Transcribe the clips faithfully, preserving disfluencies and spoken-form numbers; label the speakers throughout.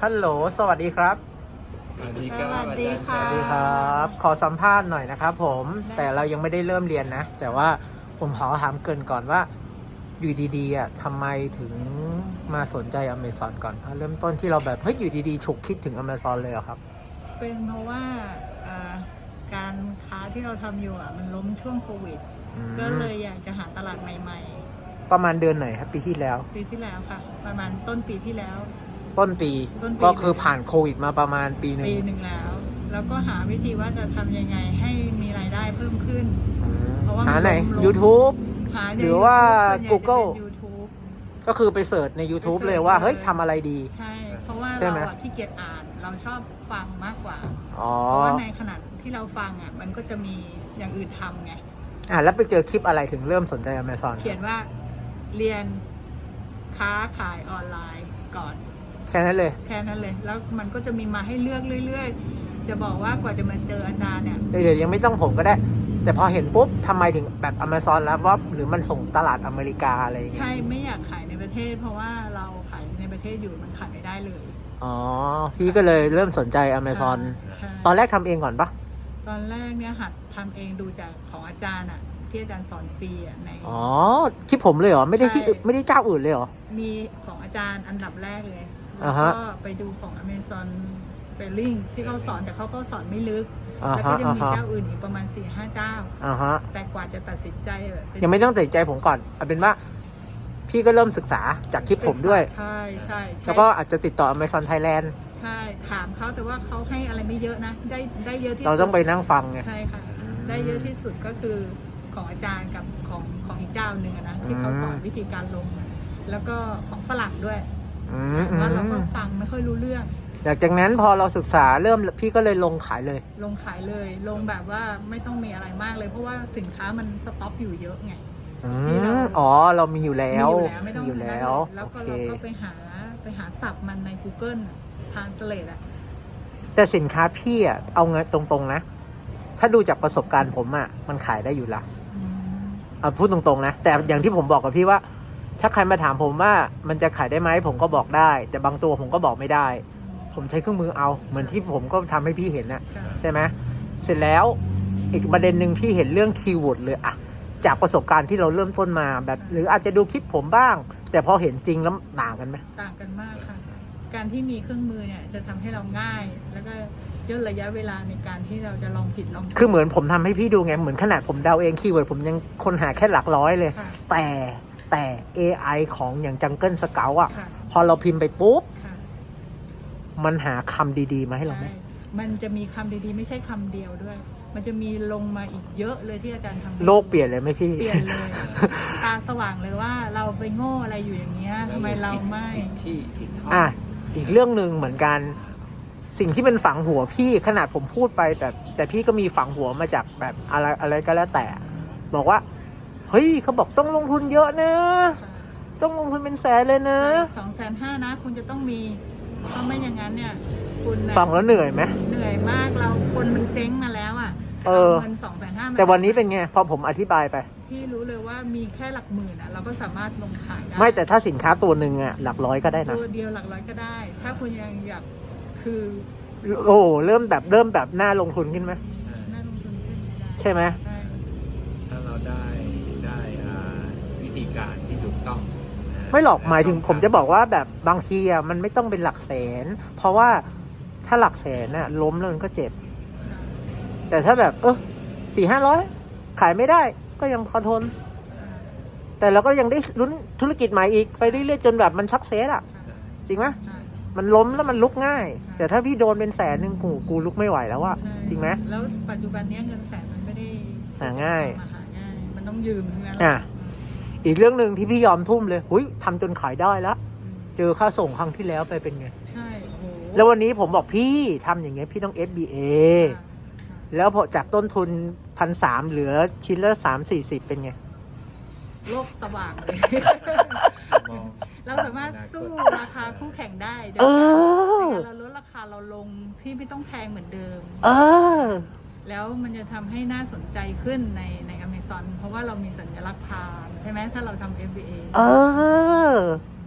Speaker 1: ฮัลโหลสวัสดีครับ
Speaker 2: สวัสดีครับ
Speaker 3: สวัสดีค่ะ
Speaker 1: สวัสดีครับขอสัมภาษณ์หน่อยนะครับผมแต่เรายังไม่ได้เริ่มเรียนนะแต่ว่าผมขอถามเกรินก่อนว่าอยู่ดีๆอ่ะทำไมถึงมาสนใจ Amazon ก่อนเอาเริ่มต้นที่เราแบบเฮ้ยอยู่ดีๆฉุกคิดถึง Amazon เลยเหรอครับ
Speaker 3: เป็นเพราะว่าอ่าการค้าที่เราทำอยู่อ่ะมันล้มช่วงโควิด
Speaker 1: อืม
Speaker 3: ก็เลยอยากจะหาตลาดใหม่
Speaker 1: ประมาณเดือนไหนครับปีที่แล้ว
Speaker 3: ๆ ปีที่แล้วค่ะ ประมาณต้นปีที่แล้ว
Speaker 1: ต้นปี
Speaker 3: ต้นปี
Speaker 1: ก็คือผ่านโควิดมาประมาณปีหนึ่ง
Speaker 3: ปีหนึ่งแล้ว แล้วก็หาวิธีว่าจะทำยังไงให้มีรายได้เพิ่มขึ้น
Speaker 1: อืม
Speaker 3: เพราะว่ามัน
Speaker 1: หาไหน
Speaker 3: ล้มๆ
Speaker 1: YouTube
Speaker 3: หาใน
Speaker 1: หรือว่า
Speaker 3: YouTube ส่วนใหญ่จะเป็น
Speaker 1: Google
Speaker 3: YouTube
Speaker 1: ก็คือไปเสิร์ชใน YouTube
Speaker 3: ไปเสิร์ช
Speaker 1: เลยว่า
Speaker 3: เลย
Speaker 1: เฮ้ยทำอะไรดี
Speaker 3: ใช่ เพราะว่า
Speaker 1: ใช่ไหม
Speaker 3: เราอะขี้เกียจอ่านเราชอบฟังมากกว่า
Speaker 1: อ๋อ
Speaker 3: เพราะว่าในขณะที่เราฟังอ่ะมันก็จะมีอย่างอื่นทำไง
Speaker 1: อ่ะแล้วไปเจอคลิปอะไรถึงเริ่มสนใจ Amazon
Speaker 3: เขียนว่าเรียนค้าขายออนไลน์ก่อน
Speaker 1: แค่นั้นเลย
Speaker 3: แค่นั้นเลย แล้วมันก็จะมีมาให้เลือกเรื่อยๆ จะบอกว่ากว่าจะมาเจออาจารย์เนี่ย
Speaker 1: เดี๋ยวยังไม่ต้องผมก็ได้ แต่พอเห็นปุ๊บทำไมถึงแบบ Amazon แล้วว่าหรือมันส่งตลาดอเมริกาอะไรอย่างเงี้ย
Speaker 3: ใช่ไม่อยากขายในประเทศ เพราะว่าเราขายในประเทศอยู่มันขายไม่ได้เลย
Speaker 1: อ๋อ พี่ก็เลยเริ่มสนใจ Amazon
Speaker 3: ใช่
Speaker 1: ตอนแรกทำเองก่อนปะ
Speaker 3: ตอนแรกเนี่ยหัดทำเองดูจากของอาจารย์อ่ะที่อาจารย์สอนฟรีอ่ะใน
Speaker 1: อ๋อคลิปผมเลยเหรอ ไม่ได้ที่
Speaker 3: ใช่
Speaker 1: ไม่ได้เจ้าอื่นเลยเหรอ
Speaker 3: มีของอาจารย์อันดับแรกเลย
Speaker 1: อ่า
Speaker 3: แล้ว
Speaker 1: ฮะ
Speaker 3: ก็ไปดูของ Amazon Selling ที่เขาสอนแต่เขาก็สอนไม่ลึก
Speaker 1: อ่า
Speaker 3: แล้ว
Speaker 1: ฮะ
Speaker 3: ก็จะ
Speaker 1: อ่า
Speaker 3: มี
Speaker 1: ฮะ
Speaker 3: เจ้าอื่นอีกประมาณสี่ห้าเจ้า
Speaker 1: อ่าฮะ
Speaker 3: แต่กว่าจะตัดสินใจแบบเป็น
Speaker 1: ยังไม่ต้องตัดใจผมก่อนเอาเป็นว่า พี่ก็เริ่มศึกษาจากคลิปผมด้วย
Speaker 3: ใช่ใช่ใช่
Speaker 1: แล้วก็อาจจะติดต่อ Amazon Thailand
Speaker 3: ใช่ถามเขาแต่ว่าเขาให้อะไรไม่เยอะนะ ได้ได้เยอะที่สุด
Speaker 1: เราต้องไปนั่งฟังไง
Speaker 3: ใช่ค่ะ ได้เยอะที่สุดก็คือของอาจารย์กับของของอีกเจ้าหนึ่งอะนะที่เขาสอนวิธีการลง แล้วก็ของฝรั่งด้วย
Speaker 1: อืมอื
Speaker 3: ว่าเรา
Speaker 1: ม
Speaker 3: ก็ฟังไม่ค่อยรู้เรื่อง
Speaker 1: หลังจากนั้นพอเราศึกษาเริ่มพี่ก็เลยลงขายเลย
Speaker 3: ลงขายเลย ลงแบบว่าไม่ต้องมีอะไรมากเลย เพราะว่าสินค้ามันสต็อกอยู่เยอะไง
Speaker 1: อื
Speaker 3: ที่เรา
Speaker 1: มอ๋อ เรามีอยู่แล้ว
Speaker 3: มีอยู่แล้วไม่ต้อง
Speaker 1: มีอยู่แล้ว
Speaker 3: แล้ว
Speaker 1: โอ
Speaker 3: ก็
Speaker 1: เค
Speaker 3: เราก็ไปหาไปหาศัพท์มันใน Google Translate อะ
Speaker 1: แต่สินค้าพี่อ่ะเอาเงินตรงๆนะ ถ้าดูจากประสบการณ์ผมอ่ะมันขายได้อยู่ละ
Speaker 3: อืม
Speaker 1: เอาพูดตรงๆนะ แต่อย่างที่ผมบอกกับพี่ว่า ถ้าใครมาถามผมว่ามันจะขายได้ไหมผมก็บอกได้ แต่บางตัวผมก็บอกไม่ได้ ผมใช้เครื่องมือเอา เหมือนที่ผมก็ทำให้พี่เห็นนะ
Speaker 3: ค่ะ
Speaker 1: ใช่ไหมเสร็จแล้วอีกประเด็นหนึ่งพี่เห็นเรื่องคีย์เวิร์ดเลยอะจากประสบการณ์ที่เราเริ่มต้นมาแบบ หรืออาจจะดูคลิปผมบ้าง แต่พอเห็นจริงแล้วต่างกันไหม
Speaker 3: ต่างกันมากค่ะ การที่มีเครื่องมือเนี่ยจะทำให้เราง่าย แล้วก็ย่นระยะเวลาในการที่เราจะลองผิดลองถูก
Speaker 1: คือเหมือนผมทำให้พี่ดูไง เหมือนขนาดผมเดาเองคีย์เวิร์ดผมยังคนหาแค่หลักร้อยเลย
Speaker 3: ค่ะ
Speaker 1: แต่แต่ เอ ไอ ของอย่าง Jungle Scout อ่ะ
Speaker 3: ค่ะ
Speaker 1: พอเราพิมพ์ไปปุ๊บ
Speaker 3: ค่ะ
Speaker 1: มันหาคำดีๆ มาให้เราไหม
Speaker 3: ใช่มันจะมีคำดีๆ ไม่ใช่คำเดียวด้วย มันจะมีลงมาอีกเยอะเลยที่อาจารย์ทำ
Speaker 1: โลกเปลี่ยนเลยไหมพี่
Speaker 3: เปลี่ยนเลย ตาสว่างเลยว่าเราไปโง่อะไรอยู่อย่างเงี้ยทำไมเราไม่
Speaker 2: ผิดที่ผิดห้อง
Speaker 1: อ่ะ อีกเรื่องหนึ่งเหมือนกัน สิ่งที่เป็นฝังหัวพี่ขนาดผมพูดไปแต่แต่พี่ก็มีฝังหัวมาจากแบบอะไรอะไรก็แล้วแต่ บอกว่า เฮ้ยเขาบอกต้องลงทุนเยอะนะ ต้องลงทุนเป็นแสนเลยนะ
Speaker 3: สองแสนห้านะ คุณจะต้องมีเพราะไม่อย่างนั้นเนี่ย คุณน่ะ
Speaker 1: ฟังแล้วเหนื่อยไหม
Speaker 3: เหนื่อยมากเราคนมันเจ๊งมาแล้วอ่ะ
Speaker 1: เออ
Speaker 3: เงินสองแสนห้า
Speaker 1: แต่วันนี้เป็นไง พอผมอธิบายไป
Speaker 3: พี่รู้เลยว่ามีแค่หลักหมื่นอ่ะ เราก็สามารถลงขายได้
Speaker 1: ไม่แต่ถ้าสินค้าตัวหนึ่งอะหลักร้อยก็ได้นะ
Speaker 3: ตัวเดียวหลักร้อยก็ได้ ถ้าคุณยังอยากคือ
Speaker 1: โอ้เริ่มแบบเริ่มแบบน่าลงทุนขึ้นไหม
Speaker 3: น่าลงทุนขึ้นได้
Speaker 1: ใช่ไหม
Speaker 3: ใช่
Speaker 2: ถ้าเราได้ได้อ่าวิธีการที่ถูกต้องนะ
Speaker 1: ไม่หรอกหมายถึงผมจะบอกว่าแบบบางทีอะมันไม่ต้องเป็นหลักแสน เพราะว่าถ้าหลักแสนน่ะล้มแล้วมันก็เจ็บ แต่ถ้าแบบเออสี่ห้าร้อยขายไม่ได้ก็ยังพอทน แต่เราก็ยังได้ลุ้นธุรกิจใหม่อีกไปเรื่อยๆจนแบบมันชักเซสอะจริงไหม
Speaker 3: ใช่
Speaker 1: มันล้มแล้วมันลุกง่าย แต่ถ้าพี่โดนเป็นแสนหนึ่งกูกูลุกไม่ไหวแล้วอะ
Speaker 3: ใช่
Speaker 1: จริงไหม
Speaker 3: แล้วปัจจุบันเนี้ยเงินแสนมันไม่ได้
Speaker 1: หาง่าย
Speaker 3: มาหาง่าย มันต้องยืมทั้งนั้น
Speaker 1: อ่ะ อีกเรื่องหนึ่งที่พี่ยอมทุ่มเลยหุยทำจนขายได้แล้ว
Speaker 3: อืม
Speaker 1: เจอค่าส่งครั้งที่แล้วไปเป็นไง
Speaker 3: ใช่โอ้โห
Speaker 1: แล้ววันนี้ผมบอกพี่ทำอย่างเงี้ยพี่ต้อง เอฟ บี เอ
Speaker 3: ค่ะ
Speaker 1: แล้วพอจากต้นทุนพันสามเหลือชิ้นละสามสี่สิบเป็นไง
Speaker 3: โลกสว่างเลย
Speaker 2: มอง
Speaker 3: เราสามารถสู้ราคาคู่แข่งได้โดย
Speaker 1: เออ
Speaker 3: การเราลดราคาเราลงที่ไม่ต้องแพงเหมือนเดิม
Speaker 1: เออ
Speaker 3: แล้วมันจะทำให้น่าสนใจขึ้นในใน Amazon เพราะว่าเรามีสัญลักษณ์พามใช่ไหมถ้าเราทำ เอฟ บี เอ
Speaker 1: เออ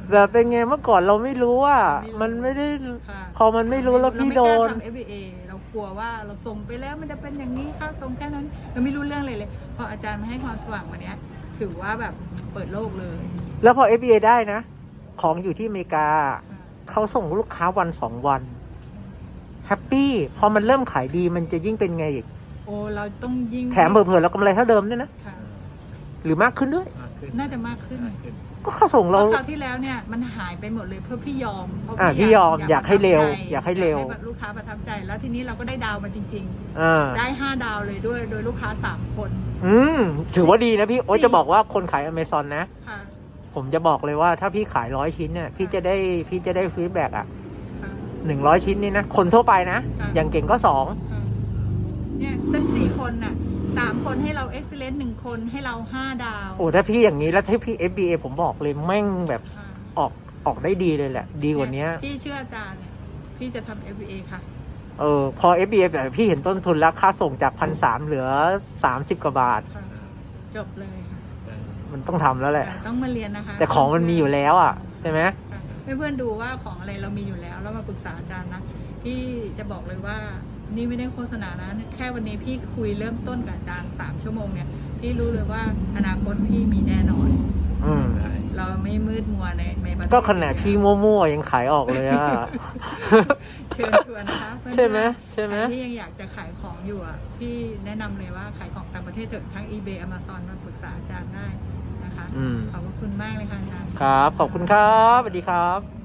Speaker 1: แบบเป็นไงเมื่อก่อนเราไม่รู้ว่า มันไม่ได้
Speaker 3: ค่ะ
Speaker 1: พอมันไม่รู้แล้วพี่โดน
Speaker 3: เราไม่กล้าทำ เอฟ บี เอ เรากลัวว่าเราส่งไปแล้วมันจะเป็นอย่างนี้ค่าส่งแค่นั้นเราไม่รู้เรื่องเลยเลยพออาจารย์มาให้ความสว่างวันเนี้ยถือว่าแบบเปิดโลกเลย
Speaker 1: แล้วพอ เอฟ บี เอ ได้นะ ของอยู่ที่อเมริกา
Speaker 3: ค่ะ
Speaker 1: เขาส่งลูกค้าวันสองวันแฮปปี้พอมันเริ่มขายดีมันจะยิ่งเป็นไงอีก
Speaker 3: โอ้เราต้องยิ่ง
Speaker 1: แถมเผื่อๆเรากำไรเท่าเดิมด้วยนะ
Speaker 3: ค่ะ
Speaker 1: หรือมากขึ้นด้วย
Speaker 2: มากขึ้น
Speaker 3: น่าจะมากขึ้น
Speaker 2: มากขึ้น
Speaker 1: ก็เขาส่ง
Speaker 3: เพ
Speaker 1: เรา
Speaker 3: ราะคราวที่แล้วเนี่ยมันหายไปหมดเลยเพื่อพี่ยอมเพราะ
Speaker 1: อ่ะพี่ยอมอยากให้เร็วอยากให้เร็ว
Speaker 3: อยากให้ลูกค้าประทับใจ แล้วทีนี้เราก็ได้ดาวมาจริง
Speaker 1: อ่า
Speaker 3: ๆ ได้ห้าดาวเลยด้วยโดยลูกค้าสามคน
Speaker 1: อืมถือว่าดีนะพี่ โอ๊ย
Speaker 3: สี่
Speaker 1: จะบอกว่าคนขายอเมซอนนะ
Speaker 3: ค่ะ
Speaker 1: ผมจะบอกเลยว่าถ้าพี่ขายร้อยชิ้นเนี่ยพี่จะได้พี่จะได้ฟีดแบ็กอ่ะ
Speaker 3: ค่ะ
Speaker 1: หนึ่งร้อยชิ้นนี่นะ คนทั่วไปนะ
Speaker 3: ค่ะ
Speaker 1: อย่างเก่งก็สอง
Speaker 3: ค่ะเนี่ยสักสี่คนน่ะสามคนให้เราเอ็กซ์เลนต์หนึ่งคนให้เราห้าดาว
Speaker 1: โอ้ถ้าพี่อย่างนี้แล้วถ้าพี่ เอฟ บี เอ ผมบอกเลยแม่งแบบ
Speaker 3: ค่ะ
Speaker 1: ออกออกได้ดีเลยแหละ ดีกว่านี้
Speaker 3: พี่เชื่ออาจารย์เนี่ยพี่จะทำ เอฟ บี เอ ค่ะ
Speaker 1: เออพอ เอฟ บี เอ แบบพี่เห็นต้นทุนแล้วค่าส่งจากพันสามเหลือสามสิบกว่าบาท
Speaker 3: ค่ะ จบเลยค่ะ
Speaker 1: มันต้องทำแล้วแหละ
Speaker 3: แต่ต้องมาเรียนนะคะ
Speaker 1: แต่ของมันมีอยู่แล้วอ่ะใช่ไหม
Speaker 3: ค่ะให้เพื่อนดูว่าของอะไรเรามีอยู่แล้วแล้วมาปรึกษาอาจารย์นะพี่จะบอกเลยว่านี่ไม่ได้โฆษณานะแค่วันนี้พี่คุยเริ่มต้นกับอาจารย์สามชั่วโมงเนี่ยพี่รู้เลยว่าอนาคตพี่มีแน่นอน
Speaker 1: อืม
Speaker 2: ได้
Speaker 3: เราไม่มืดมัวในในประเทศ
Speaker 1: ก็ขนาดพี่มั่วๆยังขายออกเลยอ่ะ
Speaker 3: เชิญชวนนะคะเพื่อนๆ
Speaker 1: ใช่ไหมใช่ไหม
Speaker 3: ใครที่ยังอยากจะขายของอยู่อ่ะพี่แนะนำเลยว่าขายของต่างประเทศเถอะทั้ง eBay Amazon มาปรึกษาอาจารย์ได้นะคะ
Speaker 1: อืม
Speaker 3: ขอบพระคุณมากเลยค่ะอาจารย์
Speaker 1: ครับ ขอบคุณครับสวัสดีครับ